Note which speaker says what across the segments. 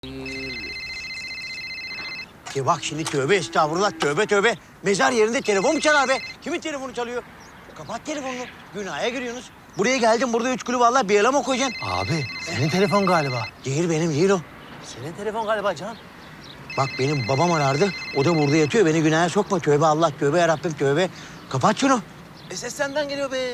Speaker 1: Ya bak şimdi tövbe estağfurullah, tövbe tövbe. Mezar yerinde telefon mu çalar be? Kimin telefonu çalıyor? Kapat telefonunu. Günaha giriyorsunuz. Buraya geldim, burada 3 kulü vallahi bir yere mi koyacaksın?
Speaker 2: Abi senin telefon galiba.
Speaker 1: Değil, benim değil o.
Speaker 2: Senin telefon galiba Can.
Speaker 1: Bak benim babam arardı. O da burada yatıyor. Beni günaha sokma. Tövbe Allah, tövbe yarabbim, tövbe. Kapat şunu.
Speaker 2: Ses senden geliyor be.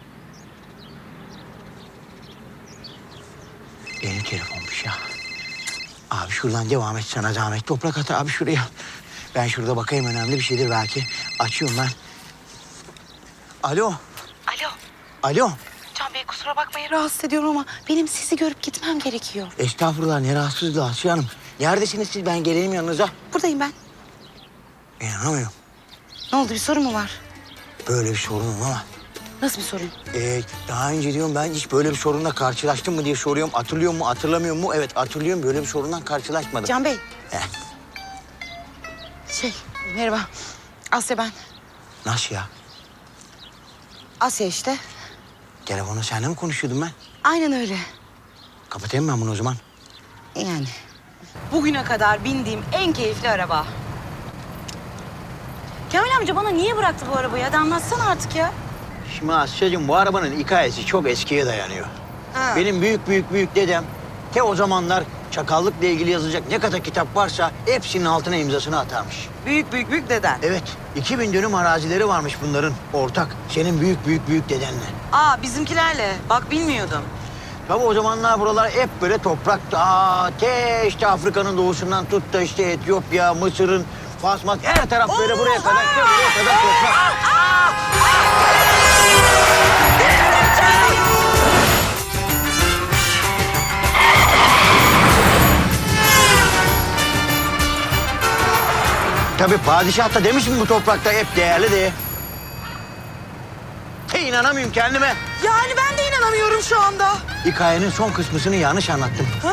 Speaker 1: Benim telefonmuş ya. Abi şuradan devam et, sana zahmet. Toprak at abi şuraya. Ben şurada bakayım, önemli bir şeydir belki. Açıyorum ben. Alo.
Speaker 3: Alo.
Speaker 1: Alo.
Speaker 3: Can Bey kusura bakmayın rahatsız ediyorum ama benim sizi görüp gitmem gerekiyor.
Speaker 1: Estağfurullah, ne rahatsızlığı Asya Hanım. Neredesiniz siz? Ben geleyim yanınıza.
Speaker 3: Buradayım ben.
Speaker 1: İnanamıyorum.
Speaker 3: Ne oldu, bir sorun mu var?
Speaker 1: Böyle bir sorunum ama.
Speaker 3: Nasıl bir sorun?
Speaker 1: Daha önce diyorum ben hiç böyle bir sorunla karşılaştım mı diye soruyorum. Hatırlıyor mu, hatırlamıyor mu? Evet hatırlıyorum, böyle bir sorundan karşılaşmadım.
Speaker 3: Can Bey.
Speaker 1: Heh.
Speaker 3: Merhaba. Asya ben.
Speaker 1: Nasıl ya?
Speaker 3: Asya işte.
Speaker 1: Telefonu seninle mi konuşuyordum ben?
Speaker 3: Aynen öyle.
Speaker 1: Kapatayım ben bunu o zaman.
Speaker 3: Yani. Bugüne kadar bindiğim en keyifli araba. Kamil amca bana niye bıraktı bu arabayı? Hadi anlatsana artık ya.
Speaker 1: Şimdi Asya'cığım, bu arabanın hikayesi çok eskiye dayanıyor.
Speaker 3: Ha.
Speaker 1: Benim büyük dedem o zamanlar çakallıkla ilgili yazılacak ne kadar kitap varsa hepsinin altına imzasını atarmış.
Speaker 3: Büyük deden.
Speaker 1: Evet, 2000 dönüm arazileri varmış bunların ortak. Senin büyük dedenle.
Speaker 3: Aa bizimkilerle. Bak bilmiyordum.
Speaker 1: Tabii o zamanlar buralar hep böyle toprak. İşte Afrika'nın doğusundan tut da işte Etiyopya, Mısır'ın, Fasmat her taraf böyle buraya kadar, buraya kadar toprak. Tabii padişah da demiş mi bu toprakta hep değerli diye. İnanamıyorum kendime.
Speaker 3: Yani ben de inanamıyorum şu anda.
Speaker 1: Hikayenin son kısmını yanlış anlattım.
Speaker 3: Ha?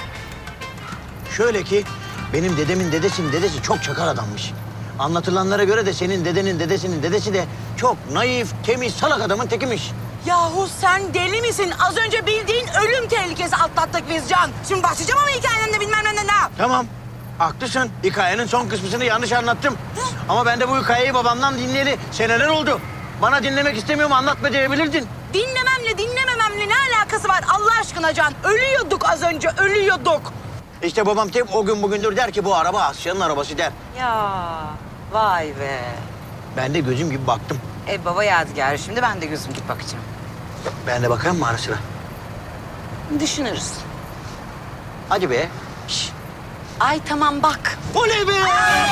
Speaker 1: Şöyle ki benim dedemin dedesinin dedesi çok çakar adammış. Anlatılanlara göre de senin dedenin dedesinin dedesi de çok naif, temiz, salak adamın tekimiş.
Speaker 4: Yahu sen deli misin? Az önce bildiğin ölüm tehlikesi atlattık biz Can. Şimdi başlayacağım ama hikayenden de bilmem ne.
Speaker 1: Tamam, haklısın. Hikayenin son kısmını yanlış anlattım. Ama ben de bu hikayeyi babamdan dinleyeli seneler oldu. Bana dinlemek istemiyorum, anlatma diyebilirdin.
Speaker 4: Dinlemememle ne alakası var Allah aşkına Can? Ölüyorduk az önce, ölüyorduk.
Speaker 1: İşte babam hep o gün bugündür der ki bu araba Asya'nın arabası der.
Speaker 3: Ya vay be.
Speaker 1: Ben de gözüm gibi baktım.
Speaker 3: Baba yadigarı şimdi ben de gözüm git bakacağım.
Speaker 1: Ben de bakayım mı ara sıra?
Speaker 3: Düşünürüz.
Speaker 1: Hadi be.
Speaker 3: Ay tamam bak.
Speaker 1: Oley be!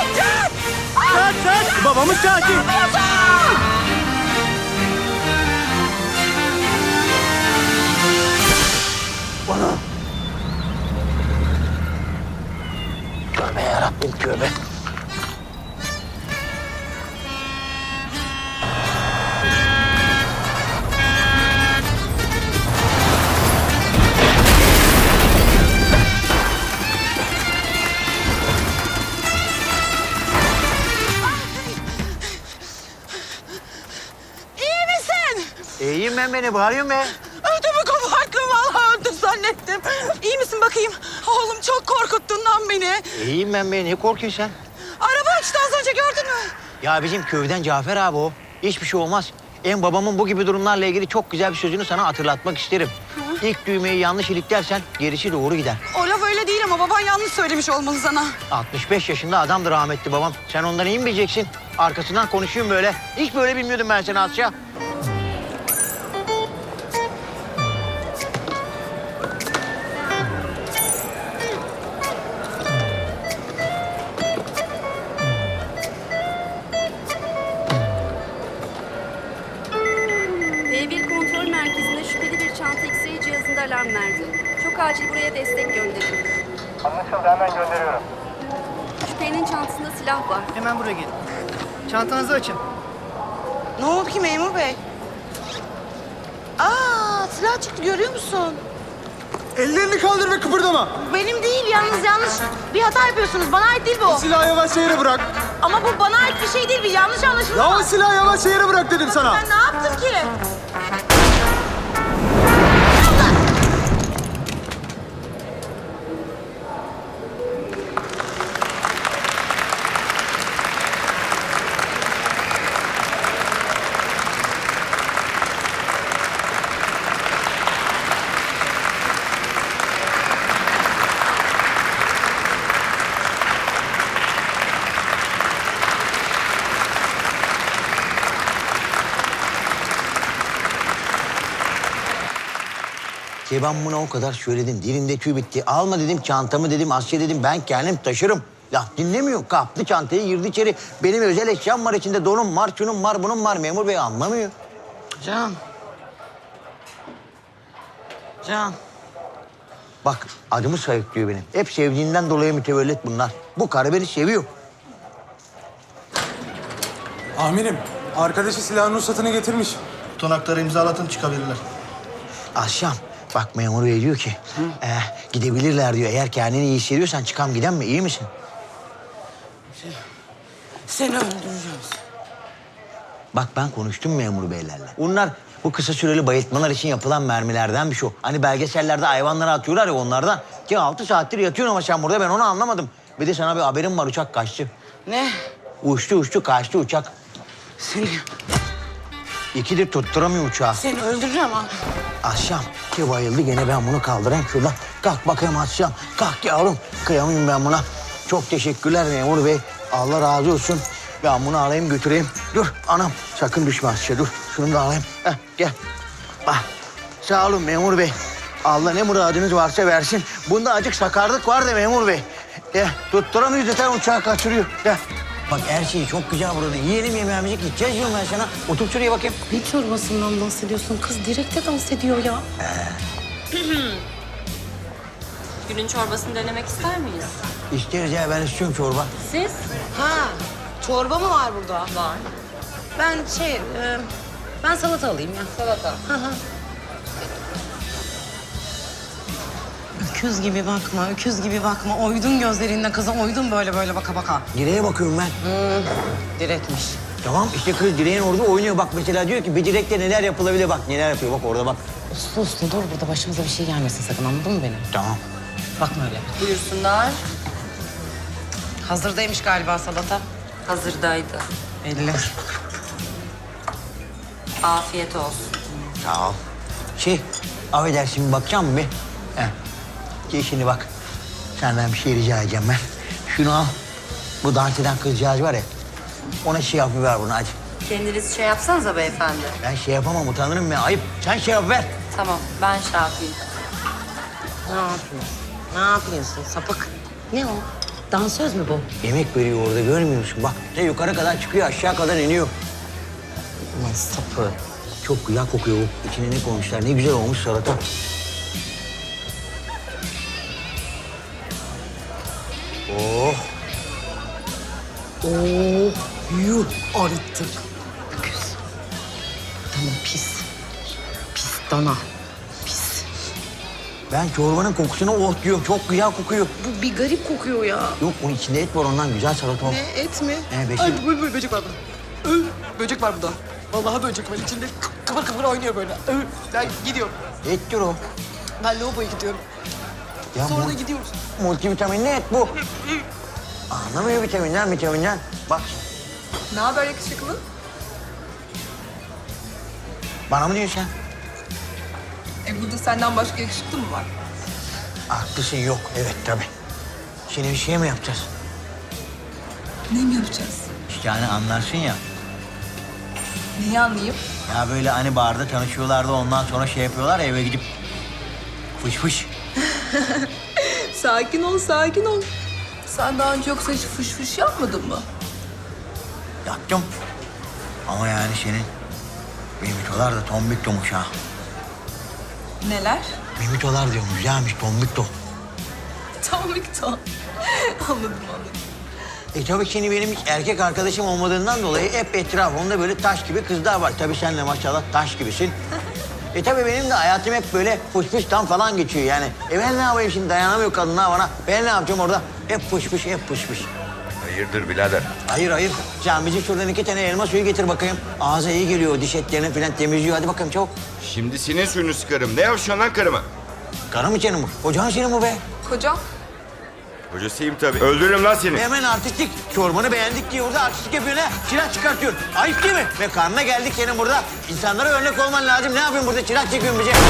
Speaker 1: Saat! Babamız katil! Bana. Tövbe yarabbim, tövbe.
Speaker 4: İyi misin?
Speaker 1: İyiyim ben, beni bağırıyorum be.
Speaker 4: Ödümü koparttım vallahi öldüm zannettim. İyi misin bakayım? Oğlum çok korkuttun lan beni.
Speaker 1: İyiyim ben be, niye korkuyorsun sen?
Speaker 4: Araba açtı az önce gördün mü?
Speaker 1: Ya bizim köyden Cafer abi o. Hiçbir şey olmaz. Babamın bu gibi durumlarla ilgili çok güzel bir sözünü sana hatırlatmak isterim. İlk düğmeyi yanlış iliklersen gerisi doğru gider.
Speaker 4: O laf öyle değil ama baban yanlış söylemiş olmalı sana.
Speaker 1: 65 yaşında adamdır rahmetli babam. Sen ondan iyi mi bileceksin? Arkasından konuşuyorum böyle. Hiç böyle bilmiyordum ben seni Asya.
Speaker 5: E1 kontrol merkezine şüpheli bir çanta X-ray cihazında alarm verdi. Çok acil buraya destek gönderin.
Speaker 6: Anlaşıldı, hemen gönderiyorum.
Speaker 5: Şüphelinin çantasında silah var.
Speaker 6: Hemen buraya gelin. Çantanızı açın.
Speaker 3: Ne oldu ki memur bey? Aa silah çıktı görüyor musun?
Speaker 2: Ellerini kaldır ve kıpırdama.
Speaker 4: Benim değil yalnız yanlış bir hata yapıyorsunuz. Bana ait değil bu.
Speaker 2: Silahı yavaşça yere bırak.
Speaker 4: Ama bu bana ait bir şey değil. Bir yanlış anlaşılma.
Speaker 2: Ya o silahı yavaşça yere bırak dedim sana.
Speaker 4: Ben ne yaptım ki?
Speaker 1: ben buna o kadar söyledim. Dilinde tüy bitti. Alma dedim çantamı dedim. Asya dedim ben kendim taşırım. Laf dinlemiyor. Kaptı çantayı girdi içeri. Benim özel eşyam var içinde. Donum var, şunun var, bunun var. Memur bey anlamıyor.
Speaker 3: Can. Can.
Speaker 1: Bak adımı sayıklıyor benim. Hep sevdiğinden dolayı mütevellit bunlar. Bu karı beni seviyor.
Speaker 2: Amirim, arkadaşı silahın ruhsatını getirmiş.
Speaker 6: Tutanakları imzalatın çıkabilirler.
Speaker 1: Akşam bak memur bey diyor ki gidebilirler diyor. Eğer kendini iyi hissediyorsan çıkam giden mi? İyi misin?
Speaker 4: Seni öldüreceğim.
Speaker 1: Bak ben konuştum memur beylerle. Bunlar bu kısa süreli bayıltmalar için yapılan mermilerden bir şey. Hani belgesellerde hayvanlara atıyorlar ya onlardan. Ki 6 saattir yatıyorsun ama sen burada ben onu anlamadım. Bir de sana bir haberim var uçak kaçtı.
Speaker 4: Ne?
Speaker 1: Uçtu kaçtı uçak.
Speaker 4: Seni,
Speaker 1: İkidir tutturamıyor uçağı.
Speaker 4: seni öldüreceğim ha.
Speaker 1: Akşam ki bayıldı gene ben bunu kaldırayım şuradan. Kalk bakayım Akşam. Kalk yavrum. Kıyamıyorum ben buna. Çok teşekkürler memur bey. Allah razı olsun. Ben bunu alayım götüreyim. Dur anam sakın düşme Asya dur. Şunu da alayım. Heh, gel. Ah, sağ olun memur bey. Allah ne muradınız varsa versin. Bunda acık sakarlık var da memur bey. Tutturamıyor zaten uçağı kaçırıyor. Gel. Bak her şey çok güzel burada. Yiyelim yemeğimizi gideceğiz diyorum ben sana. Otur şuraya bakayım.
Speaker 7: Ne çorbasından bahsediyorsun? Kız direkte dans ediyor ya.
Speaker 8: Günün çorbasını denemek ister miyiz?
Speaker 1: İsteriz ya ben istiyorum çorba.
Speaker 8: Siz?
Speaker 3: Ha, çorba mı var burada?
Speaker 8: Var.
Speaker 3: Ben salata alayım ya.
Speaker 8: Salata.
Speaker 3: Öküz gibi bakma, öküz gibi bakma. Oydun gözlerinde kıza, oydun böyle baka baka.
Speaker 1: Direğe bakıyorum ben.
Speaker 3: Direkmiş.
Speaker 1: Tamam işte kız direğin orada oynuyor. Bak mesela diyor ki bir direkte neler yapılabilir bak neler yapıyor bak orada bak.
Speaker 3: Uslu uslu dur burada başımıza bir şey gelmesin sakın anladın mı beni?
Speaker 1: Tamam.
Speaker 3: Bakma öyle.
Speaker 8: Buyursunlar.
Speaker 3: Hazırdaymış galiba salata.
Speaker 8: Hazırdaydı.
Speaker 3: Belli.
Speaker 8: Afiyet olsun.
Speaker 1: Sağ ol. Affedersin bakacağım mı bir? Şimdi bak. Senden bir şey rica edeceğim ben. Şunu al. Bu dans eden kızcağız var ya. Ona şey yapıver bunu hadi.
Speaker 8: Kendiniz şey yapsanıza beyefendi.
Speaker 1: Ben şey yapamam utanırım ya ayıp. Sen şey yapıver.
Speaker 8: Tamam, ben şey yapayım.
Speaker 3: Ne yapıyorsun? Ne yapıyorsun sapık? Ne o? Dansöz mü bu?
Speaker 1: Yemek veriyor orada görmüyor musun? Bak ne yukarı kadar çıkıyor aşağı kadar iniyor.
Speaker 3: Ulan sapık.
Speaker 1: Çok güzel kokuyor bu. İçine ne koymuşlar ne güzel olmuş salata. Oh. Oh. Yuh.
Speaker 3: Arıttık. Öküz. Tamam pis. Pis dana. Pis.
Speaker 1: Ben çorbanın kokusuna oh diyorum. Çok güzel kokuyor.
Speaker 7: Bu bir garip kokuyor ya.
Speaker 1: Yok onun içinde et var ondan güzel salata o.
Speaker 7: Ne et mi?
Speaker 1: Beşik.
Speaker 7: Ay böcek var burada. Böcek var burada. Vallahi böcek var içinde. Kıvır kıvır oynuyor böyle. Ben gidiyorum.
Speaker 1: Ettir o.
Speaker 7: Ben lavaboya gidiyorum.
Speaker 1: Ya
Speaker 7: Sonra da gidiyoruz.
Speaker 1: multivitaminli et bu. Anlamıyor vitaminden. Bak
Speaker 7: Ne haber yakışıklı?
Speaker 1: bana mı diyorsun sen?
Speaker 7: Burada senden başka yakışıklı mı var?
Speaker 1: Haklısın yok. Evet tabii. Şimdi bir şey mi yapacağız?
Speaker 7: Ne mi yapacağız?
Speaker 1: İşte hani anlarsın ya.
Speaker 7: Neyi anlayayım?
Speaker 1: Ya böyle hani barda tanışıyorlardı ondan sonra şey yapıyorlar ya eve gidip fış fış.
Speaker 7: Sakin ol, sakin ol. Sen daha önce yoksa hiç fış fış yapmadın mı?
Speaker 1: Yaptım. Ama yani senin mimitolar da tombiktomuş ha.
Speaker 7: Neler?
Speaker 1: Mimitolar diyorum güzelmiş tombikto.
Speaker 7: Tam miktar. Anladım.
Speaker 1: Tabii şimdi benim hiç erkek arkadaşım olmadığından dolayı hep etrafımda böyle taş gibi kızlar var. Tabii sen de maşallah taş gibisin. Tabii benim de hayatım hep böyle fışfıştan falan geçiyor yani. Ben ne yapayım şimdi dayanamıyor kadınlar bana. Ben ne yapacağım orada? Hep fışfış.
Speaker 9: Hayırdır birader?
Speaker 1: Hayır. Can bizi şuradan 2 tane elma suyu getir bakayım. Ağza iyi geliyor, diş etlerini falan temizliyor. Hadi bakalım çabuk.
Speaker 9: Şimdi senin suyunu sıkarım. Ne yapıyorsun lan karıma?
Speaker 1: Karım mı senin bu? Kocan senin bu be.
Speaker 7: Kocam?
Speaker 9: Hocasıyım tabii. Öldürürüm lan seni.
Speaker 1: Hemen artistik. Çorbanı beğendik diye burada artistik yapıyorsun ha. Çırak çıkartıyorsun. Ayıp değil mi? Ve karnına geldik senin burada. İnsanlara örnek olman lazım. Ne yapıyorsun burada? Çırak çekiyorsun bize.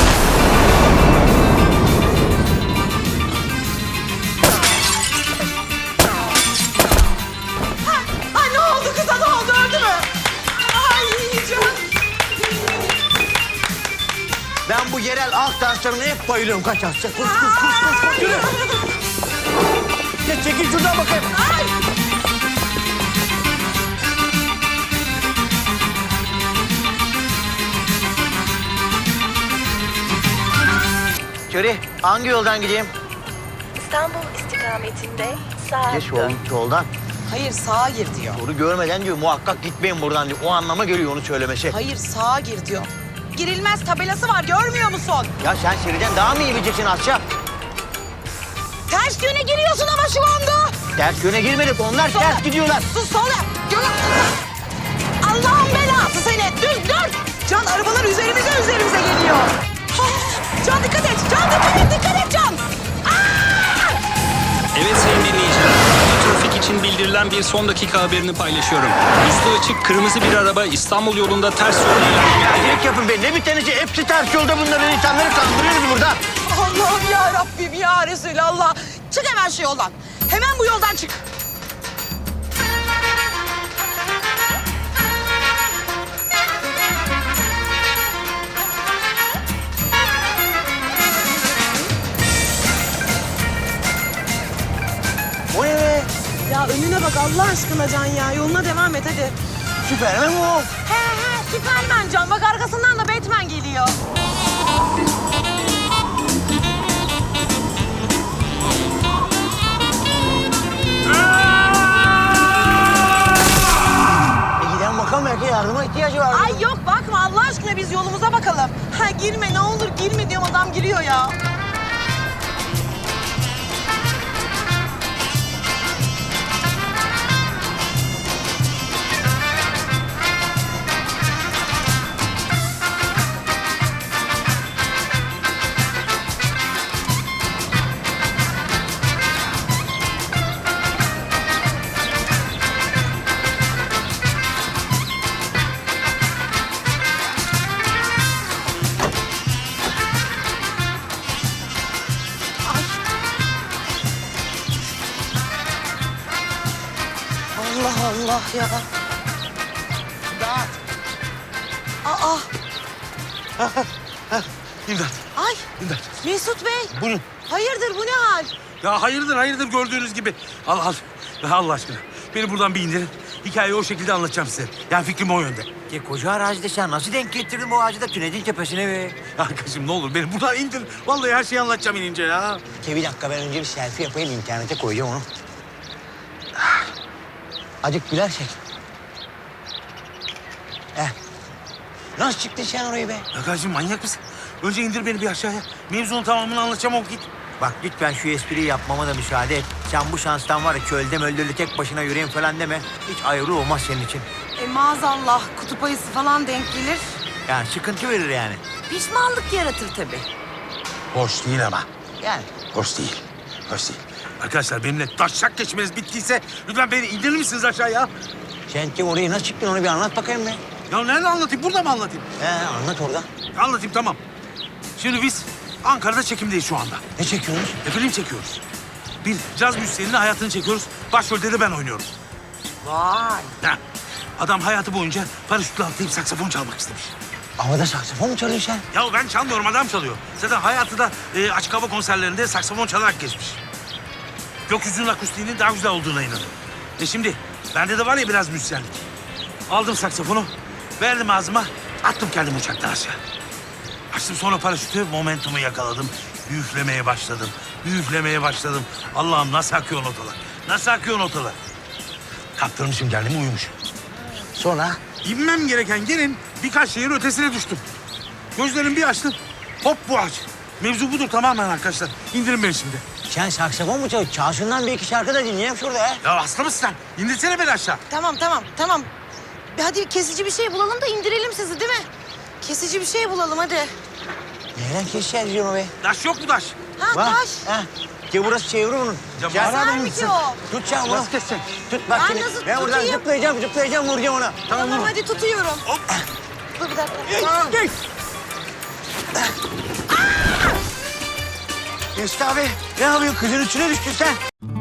Speaker 4: Ay ne oldu kıza ne oldu öldü mü? Ay yiyeceğim.
Speaker 1: Ben bu yerel halk danslarına hep bayılıyorum. Kaç Asya. Koş. Yürü. Geç, çekil şuradan bakayım. Köri, hangi yoldan gideyim?
Speaker 10: İstanbul istikametinde sağ
Speaker 1: Geç
Speaker 10: dön.
Speaker 1: yoldan.
Speaker 4: Hayır sağa gir diyor.
Speaker 1: Doğru görmeden diyor, muhakkak gitmeyin buradan diyor. O anlama geliyor onu söylemesi.
Speaker 4: Hayır sağa gir diyor. Girilmez tabelası var görmüyor musun?
Speaker 1: Ya sen Şeri'den daha mı iyi bileceksin Asya?
Speaker 4: Ters yöne giriyorsun ama şu anda.
Speaker 1: Ters yöne girmedik, onlar ters gidiyorlar.
Speaker 4: Sus sola. Allah'ın belası seni. Düz. Can arabalar üzerimize geliyor. Can dikkat et. Dikkat et Can.
Speaker 11: Evet sayın dinleyiciler, trafik için bildirilen bir son dakika haberini paylaşıyorum. Üstü açık kırmızı bir araba İstanbul yolunda ters yolda ilerliyor.
Speaker 1: Direkt yapın be, ne bir tanesi hepsi ters yolda bunların, insanları kandırıyoruz burada.
Speaker 4: Allah'ım ya Rabbim ya Resulallah. Çık hemen şu yoldan. Hemen bu yoldan çık.
Speaker 1: O ne be?
Speaker 4: Ya önüne bak Allah aşkına Can ya. Yoluna devam et hadi.
Speaker 1: Süpermen mi o?
Speaker 4: He Süpermen Can. Bak arkasından da Batman geliyor.
Speaker 1: Giden bakalım, belki yardıma ihtiyacı var.
Speaker 4: Ay yok bakma Allah aşkına biz yolumuza bakalım. Ha girme ne olur girme diyorum adam giriyor ya. Allah Allah ya.
Speaker 1: İmdat.
Speaker 4: Aa.
Speaker 2: İmdat.
Speaker 4: Ay
Speaker 2: İmdat.
Speaker 4: Mesut Bey.
Speaker 2: Buyurun.
Speaker 4: Hayırdır bu ne hal?
Speaker 2: Ya hayırdır gördüğünüz gibi. Al. Allah aşkına. Beni buradan bir indirin. Hikayeyi o şekilde anlatacağım size. Yani fikrim o yönde.
Speaker 1: Ya koca arazide sen nasıl denk getirdin bu ağacı da tünelin tepesine be?
Speaker 2: Arkadaşım ne olur beni buradan indir. Vallahi her şeyi anlatacağım inince ya.
Speaker 1: Bir dakika, ben önce bir selfie yapayım, internete koyacağım onu. Acık gülersek. Nasıl çıktın sen orayı be?
Speaker 2: Arkadaşım manyak mısın? Önce indir beni bir aşağıya. Mevzunun tamamını anlatacağım o git.
Speaker 1: Bak lütfen şu espriyi yapmama da müsaade et. Sen bu şanstan var ya, çölde möldürlü tek başına yüreğin falan deme. Hiç ayrı olmaz senin için.
Speaker 4: Maazallah kutup ayısı falan denk gelir.
Speaker 1: Yani sıkıntı verir yani.
Speaker 4: Pişmanlık yaratır tabii.
Speaker 2: Hoş değil ama.
Speaker 1: Yani.
Speaker 2: Hoş değil. Arkadaşlar benimle taşak geçmeniz bittiyse lütfen beni indirir misiniz aşağıya?
Speaker 1: Sen ki orayı nasıl çıktın, onu bir anlat bakayım be.
Speaker 2: Ya nerede anlatayım? Burada mı anlatayım?
Speaker 1: Anlat orada.
Speaker 2: Anlatayım tamam. Şimdi biz Ankara'da çekimdeyiz şu anda.
Speaker 1: Ne çekiyorsunuz?
Speaker 2: Film çekiyoruz. Bir caz müzisyeninin hayatını çekiyoruz. Başrolde de ben oynuyorum.
Speaker 4: Vay.
Speaker 2: Ha. Adam hayatı boyunca paraşütle atlayıp saksafon çalmak istemiş.
Speaker 1: Havada saksafon mu çalıyorsun sen?
Speaker 2: Ya ben çalmıyorum, adam çalıyor. Zaten hayatı da açık hava konserlerinde saksafon çalarak geçmiş. Gökyüzünün akustiğinin daha güzel olduğuna inanıyorum. Şimdi bende de var ya biraz müzisyenlik. Aldım saksafonu, verdim ağzıma, attım kendimi uçaktan aşağı. Açtım sonra paraşütü, momentumu yakaladım. Üflemeye başladım. Allah'ım nasıl akıyor notalar. Kaptırmışım kendimi, uyumuşum.
Speaker 1: Sonra?
Speaker 2: İnmem gereken yerin birkaç şehir ötesine düştüm. Gözlerimi bir açtım, hop bu ağaç. Mevzu budur tamamen arkadaşlar. İndirin beni şimdi.
Speaker 1: Sen saksafon mu çalıyorsun? Çalsınlar bir iki şarkı da dinleyelim şurada ya.
Speaker 2: Ya hasta mısın sen? İndirsene beni aşağı.
Speaker 4: Tamam. Hadi kesici bir şey bulalım da indirelim sizi değil mi? Kesici bir şey bulalım hadi.
Speaker 1: Nereden keseceğiz onu be?
Speaker 2: Taş yok mu taş?
Speaker 4: Ha
Speaker 1: Bak,
Speaker 4: taş.
Speaker 1: Ki burası çeviri bunun.
Speaker 2: Ya
Speaker 1: Gel.
Speaker 4: Güzel mi ki o?
Speaker 1: Tut sen bunu.
Speaker 2: Nasıl keseceksin?
Speaker 1: Tut bak
Speaker 4: Ben
Speaker 1: şimdi.
Speaker 4: nasıl
Speaker 1: Ben buradan
Speaker 4: tutayım?
Speaker 1: zıplayacağım, vuracağım ona.
Speaker 4: Tamam hadi tutuyorum.
Speaker 2: Hop.
Speaker 4: Dur bir dakika.
Speaker 1: Gel. Mesut abi, ne yapıyorsun? Kızın üstüne düştün sen.